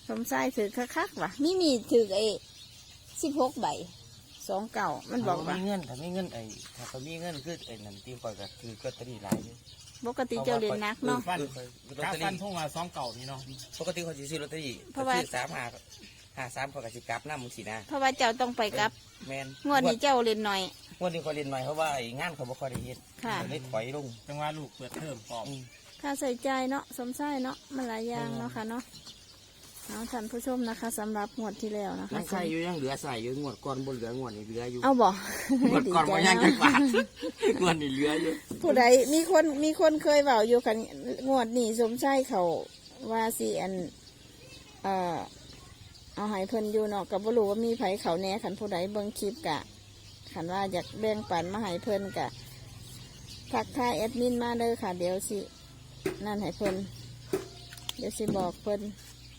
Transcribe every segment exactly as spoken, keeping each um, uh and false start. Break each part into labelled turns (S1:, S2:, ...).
S1: สมชายถือคักๆว่ะมีมีถือไอ้สิบหกใบสองเก่ามันบอกว่า
S2: มีเงินถ้ามีเงินไอ้ถ้าเขามีเงินคือไอ้นั่นตีก่อยก็คือก็ตรีหลายอยู่
S1: ปกติเจ้าเรียนนักเนาะ
S3: ฟันกาฟันทุ่งละสองเก่านี่เนาะ
S2: ปกติเขาจะซื้อลอตเตอรี่
S1: เพราะว่า
S2: ซื้อสามหาหาสามเขาก็สิกลับน้ำมึงสินะ
S1: เพราะว่าเจ้าต้องไปกับ
S2: แมน
S1: งวดนี้เจ้าเรียนหน่อย
S2: งวดนี้เขาเรียนหน่อยเพราะว่าไอ้งานเขาบ่ค่อยได้เฮ็ด
S1: ค่ะ
S2: เขาเลยถอยลง
S3: จังหวะลูกเปิดเทอมปอบ
S2: อืม
S1: ค่าใส่ใจเนาะสมชายเนาะมันหลายอย่างเนาะค่ะเนาะเอาท่านผู้ชมนะคะสำหรับงวดที่แล้วนะคะ
S2: ยังใส่อยู่ยังเหลือใส่อยู่งวดก่อนบนเหลืองวดนี้เหลืออยู่
S1: เอาบอก
S2: งวดก่อนบ่ยังจังบาทงวดนี้เหลืออยู่
S1: ผู้ใดมีคนมีคนเคยเบาอยู่กันงวดนี้สมชายเขาว่าสิอันเอ่อเอาใหายเพิ่นอยู่เนาะกับ่รู้ว่ามีไผเขาแหน่ขันผู้ใดเบิ่งคลิปกะขันว่าอยากแบ่งปันมาใหายเพิ่นกะทักทายแอดมินมาเด้อค่ะเดี๋ยวสินั่นให้เพิ่นเดี๋ยวสิบอกเพิ่น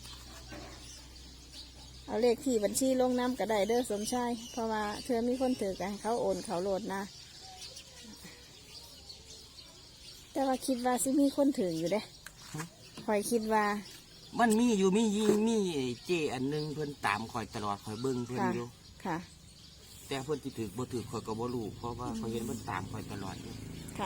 S1: เอาเลขที่บัญชีลงน้ำก็ได้เด้อสมชายเพราะว่าเธอมีคนถือกันเขาโอนเขาโหลดนะแต่ว่าคิดว่าสิมีคนถืออยู่เด้คอยคิดว่า
S2: มันมีอยู่มียิงมีเจอันหนึงเพิ่นตามคอยตลอดคอยเบิ่งเพิ่น
S1: ค่ะ
S2: อยู่
S1: ค่ะ
S2: แต่เพิ่นสิถือบ่ถือคอยก็บ่รู้เพราะว่าเขาเห็นเพิ่นตามคอยตลอดอยู่
S1: ค่ะ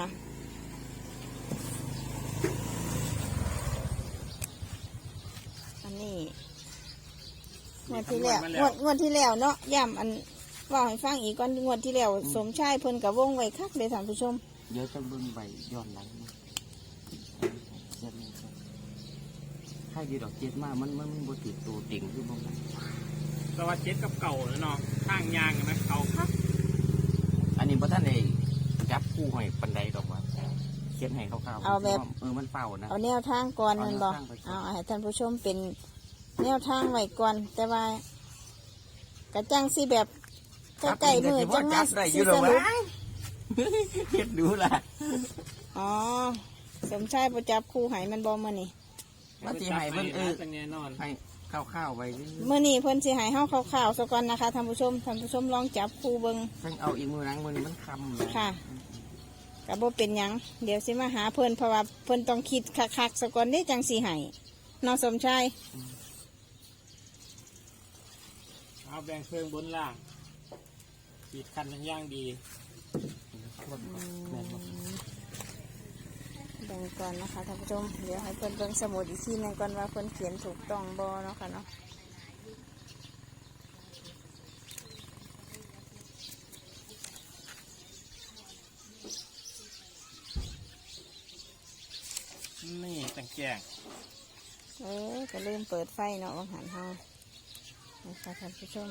S1: อันนี้งวดที่แล้วงวดงวดที่แล้วเนาะย่ำอันว่าให้ฟังอีกก่อนงวดที่แล้วสมชายเพิ่นกับวงไว้คักเลยท่านผู้ชม
S2: เดี๋ยวจะเบิ่งใบย้อนหลังนะเจ็ดนี่ครับถ้าอยู่ดอกเจ็ดมามันมันมันบ่ถือตัวติ่งคือบ่มัน
S3: แต่ว่าเจ็ดกับเก่าแล้วเนาะข้างยางเห็นไหมเก่าคัก
S2: อันนี้บ่ทันได้จับคู่ให้ปานใดดอกว่าเขียนให้คร่าวๆ
S1: เอาแบบ
S2: เออมันเฝ้านะ
S1: เอาแนวทางก่อน
S2: เอา
S1: แมัน
S2: แนว
S1: บอก
S2: ทางไปก่อน
S1: เอาให้ท่านผู้ชมเป็นแนวทางไว้ก่อน แต่ว่า กระจังสิแบบใกล้ๆมือจัง
S2: จั
S1: มา
S2: บได้อ
S1: สิ
S2: ยู่ด
S1: ส
S2: อก
S1: รุป
S2: ว่าเฮ็ดดูล่ะ
S1: อ๋อสมชายประจับคู่ให้มันบอมื่อนี่
S2: ว่าสิให้เพิ่นเออ
S3: จังแน่นอน
S2: ให้ข้าวๆไว้เรื่อย
S1: มื่อนี่เพิ่นสิให้เฮาข่าวๆซะก่อนนะคะท่านผู้ชมท่านผู้ชมลองจับคู่เบิ่ง
S2: ๆเพิ่นเอาอีกมือหลังมือนี้มันคำเลย
S1: ค่ะก็บ่เป็นหยังเดี๋ยวสิมาหาเพิ่นเพราะว่าเพิ่นต้องคิดคักๆซะก่อนนี่จังสิให้น้องสมชาย
S3: เอาแบ่งเครื่องบนล่างขีดคันทั้งย่างดี
S2: แม่นบ่
S1: เบิ่งก่อนนะคะท่านผู้ชมเดี๋ยวให้เพิ่นเบิ่งสมุดอีกทีหนึงก่อนว่าเพิ่นเขียนถูกต้องบ่เนาะค่ะเนาะ
S3: นี่แต่งแจ้ง
S1: เออก็ลืมเปิดไฟเนาะวังหันเฮานะคะท่านผู้ชม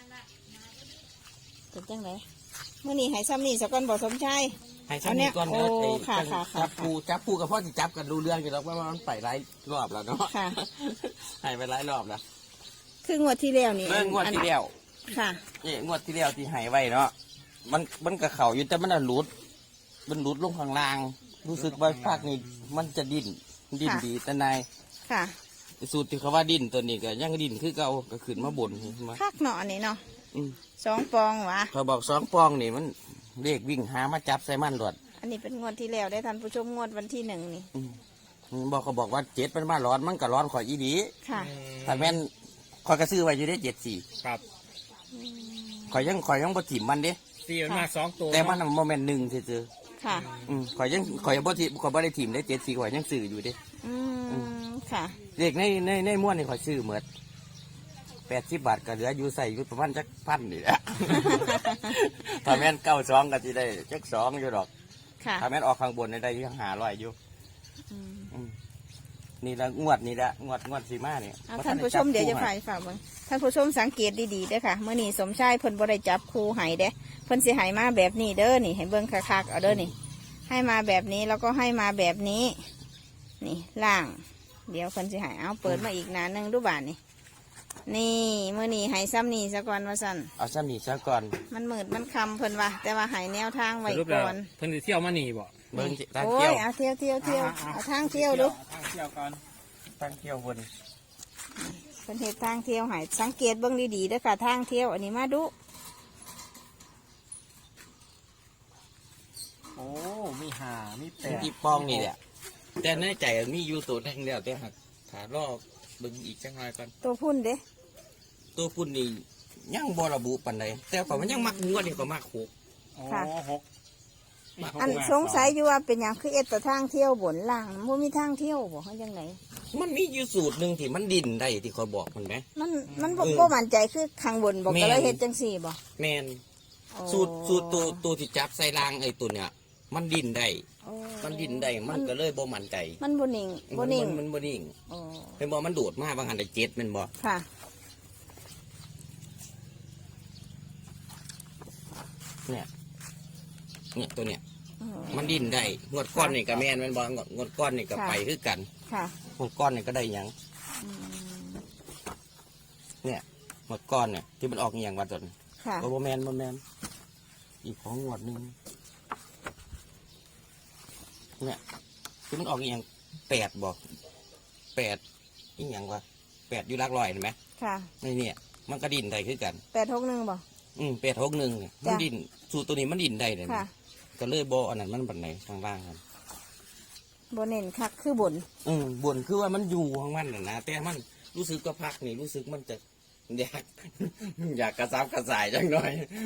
S1: เป็นจังไดมื้อนี้ให้ซ้ำนี่ซะก่อนบ่สมชาย
S2: ให้ชั้นนี้ก่อนเด้อ
S1: โอ้
S2: ไอ้
S1: ค่ะค่ะค่ะ
S2: จับปูจับปูกับพ่อสิจับกันรู้เรื่องอยู่แล้วว่ามันไปหลายรอบแล้วเนาะ
S1: ค่ะ
S2: ให้ไปหลายรอบแล้ว
S1: คืองวดที่แล้วนี่
S2: เรื่องงวดที่แล้ว
S1: ค่ะ
S2: นี่งวดที่แล้วที่ให้ไว้เนาะมันมันกระเข่าอยู่แต่มันน่ะหลุด มันหลุดลงข้างล่าง รู้สึกว่าภาคนี้มันจะดิ้นดิ้นดีแต่นาย
S1: ค่ะ
S2: สูตรที่เขาว่าดิ้นตัวนี้ก็ยังดิ้นคือเก่าก็ขึ้นมาบนมา
S1: คักเนาะอันนี้เนาะ
S2: อืม
S1: สองปองหวะ
S2: เขาบอกสองปองนี่มันเลขวิ่งหามาจับใส่มันหลอด
S1: อันนี้เป็นงวดที่แล้วได้ท่านผู้ชมงวดวันที่หนึ่งนี่
S2: อืมบอกเขาบอกว่าเจ็ดมันมาร้อนมันก็ร้อนข่อยอีดี
S1: ค่ะ
S2: ถ้าแม่นข่อยก็ซื้อไว้อยู่ได้เจ็ดสี่
S3: ครับ
S2: ข่อยยังข่อยยังบ่ถิ่มมันเด้
S3: ตีมันมาสองตัว
S2: แต่มันโมเมนต์หนึ่งซื่อ
S1: ค่ะ
S2: ๆอืมข่อยยังข่อยยังบ่ถิ่มข่อยบ่ได้ถิ่มได้เจ็ดสี่ข่อยยังซื้ออยู่เด้
S1: อืมค่ะ
S2: เลขในในในม้วนนี่ข่อยซื้อหมดแปดสิบบาทก็เหลืออยู่ใส่อยู่ประมาณจักพันนี่แหละ ถ้าแม่นเก้าสองก็สิได้จักสองอยู่ดอก
S1: ค่ะ
S2: ถ้าแม่นออกข้างบนได้ยังหาร้อยอยู่
S1: อืม
S2: อืมนี่ละงวดนี่ละงวดงวดสีมาเนี่ย
S1: เอาท่านผู้ชมเดี๋ยวจะฝ่ายฝากเบิ่งท่านผู้ชมสังเกตดีๆเด้อค่ะเมื่อนี้สมชายเพิ่นบ่ได้จับครูไห้เด้เพิ่นสิไห้มาแบบนี้เด้อนี่ให้เบิ่งคักๆเอาเด้อนี่ ให้มาแบบนี้แล้วก็ให้มาแบบนี้ นี่ล่าง เดี๋ยวเพิ่นสิไห้เอาเปิดมาอีกหนาหนึงดูบานนี่นี่เมื่อนี้ไห้ซ้ำนี่ซะก่อนว่าสั่น
S2: เอาซ้ำนี่ซะก่อน
S1: มันมืดมันคำเพิ่นว่าแต่ว่าไห้แนวทางไว้
S3: สรุปแล้
S1: ก่
S3: ว
S1: อน
S3: เพิ่นสิเที่ยวมาหนีบ่
S2: เบิ้งสิตั้ง
S1: โอ้
S2: เที่ย
S1: ยว เอาเที่ยวเที่ยวเที่ยวเอาทางเที่ยวดู
S3: ทางเที่ยวก่อน
S2: ตั้งเที่ยวบน
S1: เป็นเหตุทางเที่ยวใหายสังเกตเบื้องดีๆเด้อค่ะทางเที่ยวอันนี้มาดู
S3: โอ้มีหามีแปด
S2: ที่ป้องนี่แหละแต่ในใจมีอยู่ตัวแท่งเดียวแต่หักถารอบเบิ่งอีกจังหน่อยก่อน
S1: ตัวพุ่นเด้
S2: ตัวพุ่นนี่ยังบ่ระบุปานใดแต่ก็มันยังมักงวดนี่ก็มักหก
S3: โอ้
S1: ค่ะ
S3: หก
S1: อันสงสัยอยู่ว่าเป็นอย่างคือเอ็ดแต่ทางเที่ยวบนล่างมันมีทางเที่ยวบอกเขาจังไหน
S2: มันมีอยู่สูตรหนึ่งที่มันดินได้ที่คอยบอกมันไหม
S1: มันมันบ่
S2: เออ
S1: บ่มั่นใจคือข้างบนบอก
S2: แม่น
S1: ก็เลยเฮ็ดจังสี่บ่
S2: แมน
S1: โอ้
S2: สูตรสูตรตัวตัวที่จับใส่รางไอ้ตัวเนี่ยมันดินได้
S1: โอ้
S2: มันดินได้มันก็เลยบ่มั่นใจ
S1: มันบ่นิ่งบ่นิ่ง
S2: มันมันบ่นิ่ง
S1: โอ้
S2: เป็นบ่มันโดดมาบางหันได้เจ็ดแมันบ่
S1: ค่ะ
S2: เนี่ยเนี่ยตัวเนี่ย
S1: โอ้
S2: มันดินได้งวดก้อนนี่ก็แมนแมันบ่งวดงวดก้อนนี่ก็
S1: ค่ะ
S2: ไปคือกัน
S1: ค่ะ
S2: งวดก้อนนี่ก็ได้หยัง
S1: อืม
S2: เนี่ยงวดก้อนเนี่ยที่มันออกอหย่างว่าตน
S1: ค่ะ
S2: บ่บ่แมนบ่แมนอีกของงวดหนึงเนี่ยที่มันออกอหย่างแปดบอกแปดอีหยังวะแปดอยู่หลักร้อยเห็นไหม
S1: ค่ะ
S2: นี่เนี่ยมันก็ดินได้คือกัน
S1: แปดหกหนึ่งบ่
S2: อืมแปดหกหนึ่งเนี่ยมัน
S1: จ้ะ
S2: ดินสูตรตัวนี้มันดินได้เลย
S1: ค่ะ
S2: ก็เลยบ่อันนั้นมันบันไหนทางล่างกัน
S1: บ่เน้นคักคือบน
S2: อืมบนคือว่ามันอยู่ของมันน่ะนะแต่มันรู้สึกก็พักนี่รู้สึกมันจะอยาก อยากกระซับกระสายจังหน่อย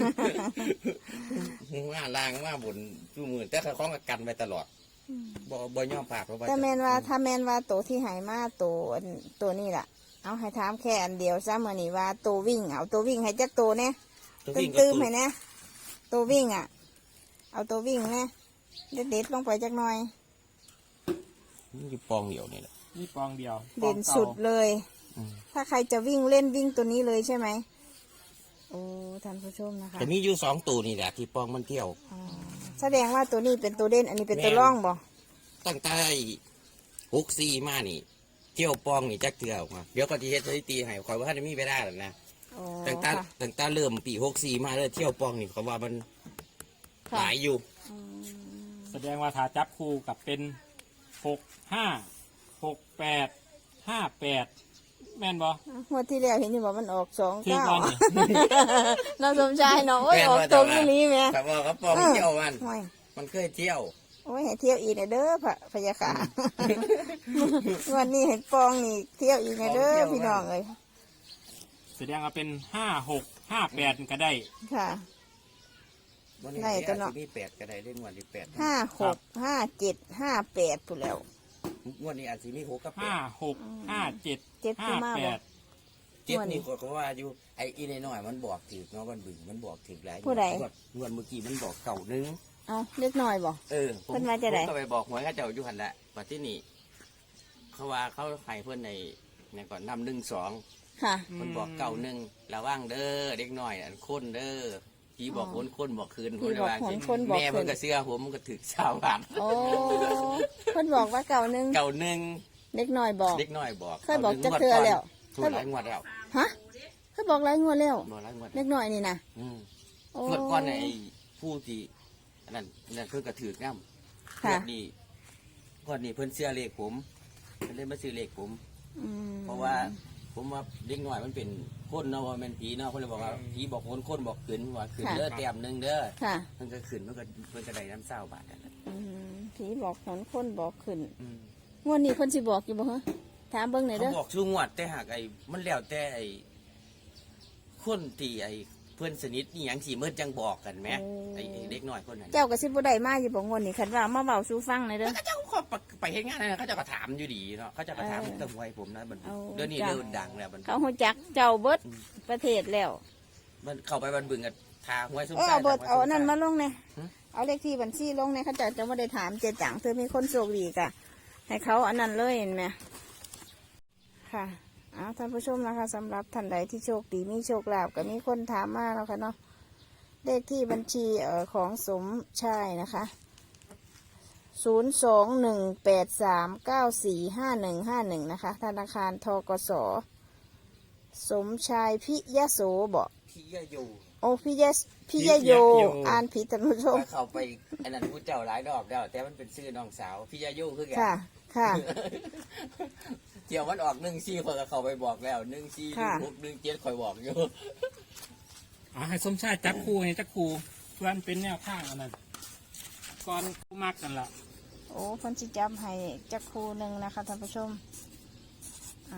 S2: ว่าล่างว่าบนจูมือแต่เขาคล้องกับกันไปตลอดบ่บ่ย่อมปากเพราะว่า
S1: แต่แม่นว่าถ้าแม่นว่าตัวที่ใหายมาตัวอันตัวนี้ล่ะ เอาให้ถามแค่อันเดียวซะมื้อนี้ว่าตัววิ่งเอาตัววิ่งให้จักตัวแน่
S2: ตัว
S1: ตื้
S2: วิ่
S1: ม
S2: งก็
S1: ตื้ม
S2: ตัว
S1: ให้นะตัววิ่งอ่ะ เอาตัววิ่งนะเด็ดเด็ดๆลงไปจักหน่อย
S2: มันอยู่ปองเดียวนี่แหละ
S3: นี่ปองเดียว
S1: เด่น
S3: ปองก่า
S1: สุดเลย
S2: อืม
S1: ถ้าใครจะวิ่งเล่นวิ่งตัวนี้เลยใช่ไหมโอ้ท่านผู้ชมนะคะ
S2: แต่มีอยู่สองตัวนี่แหละที่ปองมันเที่ยว
S1: อ๋อแสดงว่าตัวนี้เป็นตัวเด่นอันนี้เป็นตัวร่องบ่
S2: ตั้งแต่หกสี่มานี่ เที่ยวปองนี่จักเทื่อออกมาเดี๋ยวก็ที่เฮ็ดสถิติให้คอยว่าจะมีไปได้หรอกนะ
S1: โอ้
S2: ตั้งแต่
S1: ค่ะ
S2: ตั้งแต่เริ่มปีหกสี่มาเลยเที่ยวปองนี่เขาว่ามันห
S1: ค่ะ
S2: ลายอยู่
S1: อืม
S3: แสดงว่าถ้าจับคู่กับเป็นหกห้าหกแปดห้าแปดแม่นบ่
S1: งวดที่แล้วเห็นอยู่ว่ามันออกสอง
S3: ที่
S1: เก้า
S3: ก่อนนี่
S1: น้องสมชายเนาะโอ้ย
S2: แม่น
S1: ออก
S2: ว่า
S1: ตรง
S2: แต่ว่า
S1: นี้แม่
S2: แต่ว่าเขาปองเที่ยวมัน
S1: โอ้ย
S2: มันเคยเที่ยว
S1: โอ้ยให้เที่ยวอีกนะเด้อพระพยาค่ะ วันนี้เห็นปองนี่เที่ยวอีกนะเด้อพี่น้องเอ้ย
S3: แสดงว่าเป็นห้าหกห้าแปดก็ได้
S1: ค่ะ
S2: วันนี้
S1: ไหนตัวเนาะ
S2: อาจสิมีแปดก็ได้เรื่องวันที่แปด
S1: ห้าหกห้าเจ็ดห้าแปดผู้นแล้ว
S2: งวันนี้อาจจะมีหกกับแป
S3: ห้า
S2: ด
S3: หกห้าเจ็ด
S1: เจ็ด
S3: ห้า
S1: คือมาก
S3: แป
S1: บ่
S3: ด
S2: เจ็ดนี่ก็ว่าอยู่ไอ้อีน้อยๆมันบอกถือเนาะวันบึงมันบอกถือหลาย
S1: ผู้ใด
S2: งวงวดเมื่อกี้มันบอกเก่านึง
S1: เอาเล็กน้อยบ่
S2: เออผม
S1: เพิ่นว่าจะได้
S2: ผมก็ไปบอกหวยเขาเจ้าอยู่หันแหละปัจจุนี่เขาว่าเขาให้เพื่อนในเนี่ยก่อนนำหนึ่งสอง
S1: ค่ะ
S2: เพิ่นบอกเก่าหนึ่งระวังเด้อเด็กน้อยอันคนเด้อผีบอกคนคนบอกคืน
S1: ผีบอก
S2: ว่า
S1: คนคนบอกคืน
S2: แม่เพิ่นก็เสื้อผมมันก็ถึกชาวบ้าน
S1: โอ้เพิ่นบอกว่าเก่าหนึง
S2: เก่าหนึ่ง
S1: เล็กน้อยบอก
S2: เด็กน้อยบอก
S1: เคยบอกจักเทื่อแล้ว
S2: ถูกหลายงวดแล้ว
S1: ฮะเพิ่นบอกหลายงวดแล้ว
S2: บอกหลายงวด
S1: เล็กน้อยนี่นะ
S2: อืม
S1: โอ้
S2: งวดก่อนเนี่ยไอ้ผู้ที่อันนั้นนั่นเพิ่นก็ถือกน้ำง
S1: ค่ะ
S2: วดนี้งวดนี้เพิ่นเสื้อเลขผมเพิ่นเล่นมาซื้อเลขผม
S1: อืม
S2: เพราะว่าผมว่าเด็กน้อยมันเป็นคนเนาะว่ามันผีเนาะเพิ่นเลยบอกว่าผีบอกคนคนบอกขึ้นว่าขึ้นเด้อแต้มหนึงเด้อ
S1: ค่ะ
S2: มันก็ขึ้นมันก็เพิ่นก็ได้น้ำเศร้าบาทนั่นแหละ
S1: อืมผีบอกหนคนบอกขึ้น
S2: อืม
S1: งวดนี้เพิ่นสิบอกอยู่บ่ฮะถามเบิ่งหน่อย
S2: เขา
S1: เด้อ
S2: บอกชูงวดแต่หากไอ้มันแล้วแต่ไอ้คนที่ไอ้เพื่อนสนิทนี่หยังสิเมื่อจังบอกกันไหมไอ้ไอ้เด็กน้อยคนนั้น
S1: เจ้าก็สิบ่ได้มาอยู่บ่งวดนี้คันว่ามาเว้าสู่ฟังหน่อยเด้อ
S2: เขาเจ้าเขาไปเฮ็ดงานนั่นนะเขาเจะก็ถามอยู่ดีเนาะเขาเจะก็ถาม
S1: เออ
S2: ตั้งไว้ผมนะบัน
S1: เอา
S2: เดี๋ยวนี้
S1: จ้ะ
S2: เริ่มดังแล้วบัน
S1: เขาฮู้จักเจ้าเบิดประเทศแล้ว
S2: มันเข้าไปบันบึงกับทาหวยซุ้ม
S1: เออ
S2: ซ่า
S1: เอาเบิด
S2: ท
S1: เอาอันนั้นมาลงเนี่ย
S2: หึ
S1: เอาเลขที่บัญชีลงเนี่ยเขาจะจะไม่ได้ถามเจจังเธอมีคนโชคดีกะให้เขาอันนั้นเลยเห็นไหมค่ะเอาท่านผู้ชมนะคะสำหรับท่านใดที่โชคดีมีโชคลาภก็มีคนถามมาแล้วค่ะเนาะเลขที่บัญชีเอ่อของสมชายนะคะศูนย์สองหนึ่งแปดสามเก้าสี่ห้าหนึ่งห้าหนึ่งนะคะธนาคารทกสสมชายพิยะโสบอก
S2: พี่ยะอยู่
S1: โอ้พี่ยะพี่ยะโย อ่านผิดท่านผู้ชม
S2: ว่าเข้าไปอันนั้นผู้เจ้าหลายดอกแล้วแต่มันเป็นชื่อน้องสาวพี่ยะอยู่คือแก
S1: ค่ะ ค่ะ
S2: เที่ยวมันออกหนึ่งซี่คนก็เข้าไปบอกแล้วหนึ่งซี่
S1: ค่ะ
S2: หกหนึ่งเจ็ดคอยบอกอยู่
S3: อ๋อให้สมชายจับคู่ให้จับคู่เพื่อนเป็นแนวข้างอันนั้นก่อนกูมักกันละ
S1: โอ้เพันสิจับให้จักครูหนึ่งนะคะท่านผู้ชม อ่ะ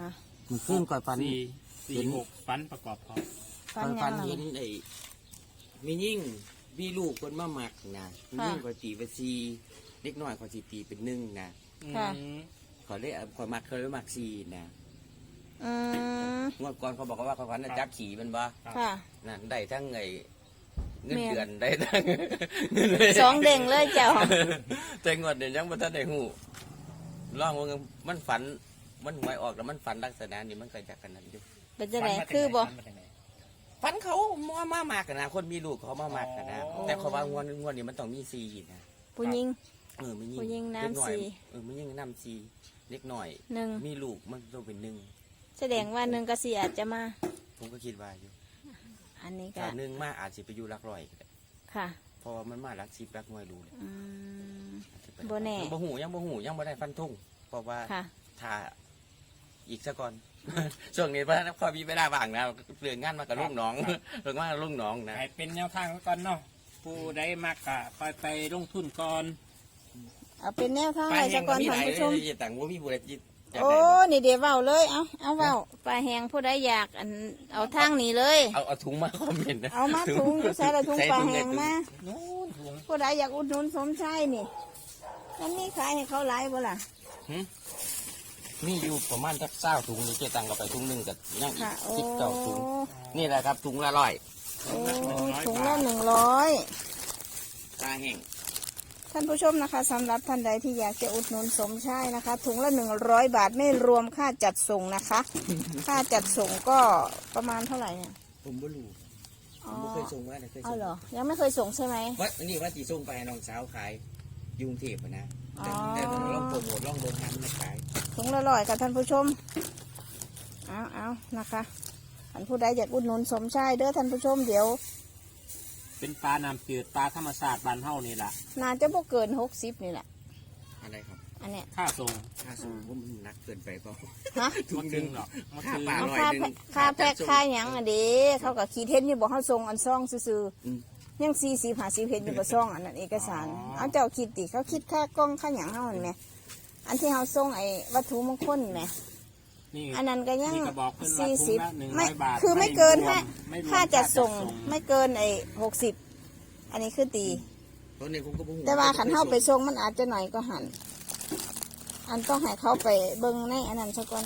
S2: มันขึ้นก่อยฟัน
S3: สี่สี่หกฟันประกอบพร้อม
S1: ฟัน
S2: ก่อย
S1: ยั
S2: ฟั
S1: ง
S2: น
S1: ล่ะ
S2: เห็นไอ้มียิ่งมีลูกคนมาหมักนะมียิ่งก่อยตีเป็นสี่เล็กน้อยก่อยตีตีเป็นหนึ่งนะ
S1: ค่ะ
S3: อืม
S2: ขอเรียกขอมักเคยมักสี่นะ
S1: อืม
S2: งวดก่อนเขาบอกว่าเขาฟันน่ะจับขี่มันบ่
S1: ค่ะ
S2: นั่นได้ทั้งไงเงิน
S1: แม่น
S2: เดือนได้ทั้ง
S1: สองเด้งเลยเจ้า
S2: แต่งวดเดี๋ยวยังบ่ทันได้ฮู้ลองว่ามันฝันมันหวยออกแล้วมันฝันลักษณะนี้มันก็จากกันนั้นอยู่
S1: เป็นจะไหนคือบ่
S3: ฟันมาจากไหน
S2: ฝันเขามามามากกันนะคนมีลูกเขามามากกันนะ
S3: อ๋อ
S2: แต่เขาว่างวดงวดนี้มันต้องมีสี่นะ
S1: ผู้หญิง
S2: เออมันยิ่
S1: ผู้หญิงน้ำ
S2: เล็กอย
S1: สี่
S2: เออมันยิ่งน้ำสี่เล็กหน่อย
S1: หนึ่ง
S2: มีลูกมันต้องเป็นหนึ่ง
S1: แสดงว่าหนึ่งก็สี่อาจจะมา
S2: ผมก็คิดว่าอยู่
S1: อันนี้ก็
S2: ถ้าหนึ่งมาอาจจะไปอยู่หลักร้อยก็ได้
S1: ค่ะ
S2: เพราะว่ามันมาหลักสิบหลักหน่วยรู้เลย
S1: อืม
S2: อาจจะไป
S1: บ่แน่
S2: บ่หูยังบ่หูยังบ่ได้ฟันทุ่งเพราะว่า
S1: ค่ะ
S2: ถ้าอีกสักก่อน ช่วงนี้พระพอมีเวลาว่างนะเรื่องงานมากับลูกน้อง เรื่องงานกับลูกน้องนะ
S3: ให้เป็นแนวทางไว้ก่อนเนาะผู้ใดมากกะไปไปลงทุนก่อน
S1: เอาเป็นแนวทาง
S2: ไป
S1: ให้
S2: แห่
S1: สั
S2: ง
S1: ก
S2: ก็
S1: ก่อน
S2: มีห
S1: ท่าน
S2: ลาย
S1: ผู้ชม
S2: เลยต่างว่ามีบุรีจิตอยาก
S1: โอ้
S2: ได้
S1: นี่เดี๋ยวเว้าเลย เอาเอาเว้าปลาแหงผู้ใดอยากอันเอาทางนี้เลย
S2: เอาเอาถุงมาคอมเมนต์นะ
S1: เอามาถุงใส่ละถุง
S2: ใส่
S1: ปลา
S2: ถุ
S1: แหง
S2: ใน
S1: มา
S3: นู้นถุง
S1: ผู้ใดอยากอุดหนุนสมชายนี่มันมีขายให้เขาหลายบ่ล่ะ
S2: หึมีอยู่ประมาณสักเก้าถุงนี่เจ๊ตังก็ไปถุงหนึ่งกับยังอี
S1: ค่ะ
S2: ก
S1: โอ้
S2: สิบเก้าถุงนี่แหละครับถุงละร้อย
S1: โอ้ถุงละหนึ่งร้อย
S2: ปลาแห้ง
S1: ท่านผู้ชมนะคะสำหรับท่านใดที่อยากจะอุดหนุนสมชายนะคะ ถุงละหนึ่งร้อยบาทไม่รวมค่าจัดส่งนะคะ ค่าจัดส่งก็ประมาณเท่าไหร่เนี่ย
S2: ผมบ่รู้ผ
S1: อ๋อ
S2: มบ่เคยส่งว่าแต่เคย
S1: เอา
S2: ส่ง
S1: เหรอยังไม่เคยส่งใช่ไหม
S2: ว่าอันนี้ว่าจีส่งไปให้น้องสาวขายอยุงเทพอะนะแต่
S1: อ๋อ
S2: แต่ต้องลองโปรโมทลองเดินทางมาขาย
S1: ถุงละร้อยกับท่านผู้ชม เอาเอานะคะท่านผู้ใดอยากอุดหนุนสมชายเด้อท่านผู้ชมเดี๋ยว
S3: เป็นปลาน้ำจืดปลาธรรมชาติบ้านเฮานี่แหละ
S1: น่าจะบ่เกินหกสิบนี่แหละ
S2: อะไรครับ
S1: อันเนี้ย
S3: ค่าส่ง
S2: ค่าส่งผมมันหนักเกินไปเปล่า
S1: ฮะ
S2: ถุ
S3: มาง
S2: ห
S3: ถึ
S2: นึ่ง
S3: งหรอกมา
S2: ค่า
S3: ถึง
S2: ปลา
S1: เอา
S2: ร้อย
S1: ค่า
S2: หนึ่ง
S1: ค่าแพ็คค่าหยังอ่ะเด้เขากับขีดเห็นอยู่บอกเขาส่งอันซองซื่อ
S2: อืม
S1: ๆยังสี่สิบห้าสิบเห็นอยู่กับซองอันนั้นเอกสาร เอาเจ้าคิดดิเขาคิดค่ากล้องค่าหยังเฮาเห็นไหมอันที่เขาส่งไอ้วัตถุมงคลไหม
S3: นี่
S1: อันนั้นก็ยัง
S3: นี่ก็บอกเพิ่นว่า
S1: สี่
S3: ถุ
S1: สิ
S3: ง
S1: บ
S3: ละหนึ่งร้
S1: ไม่
S3: อยบาท
S1: คือไม่เกิน
S3: รว
S1: ห้าม
S3: ไม่รวม
S1: ค่าจัดส่ง
S3: ค่าจัด
S1: ไม่เกินไอ้หกสิบอันนี้คือตี
S2: ตอนนี้ผมก็บ่ฮู้
S1: แต่ว่าขันเข้าไปส่งมันอาจจะหน่อยก็หัน อันต้องให้เขาไปเบิ้งในอันนั้นซะก่อน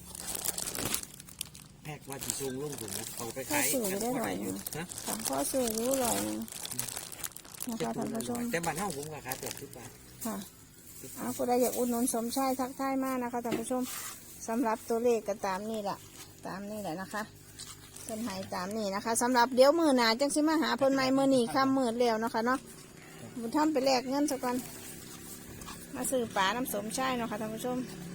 S2: แพ็กว่าจีส่งลงถุงนะเอาไป
S1: ถ้า
S2: ขาย
S1: สื่อได้หน่อยหนึง
S2: ฮะ
S1: ของพ่อสื่อรู้หน่อยหนึงนะคะท่านผู้ชม
S2: แต่บ้านเฮาผมก็ขายแปดสิบบาท
S1: ค่ะเอาผู้ใดอยากอุดหนุนสมชายทักทายมากนะคะท่านผู้ชมสำหรับตัวเลขก็ตามนี่แหละตามนี่แหละนะคะเป็นใหายตามนี่นะคะสำหรับเดี๋ยวมือหนาจังสิมาหาเพิ่นใหม่มือหนีข้ามมือแล้วเนาะคะเนาะบุญทำไปแลกเงินซะก่อนมาซื้อปลาน้ำสมชายเนาะค่ะท่านผู้ชม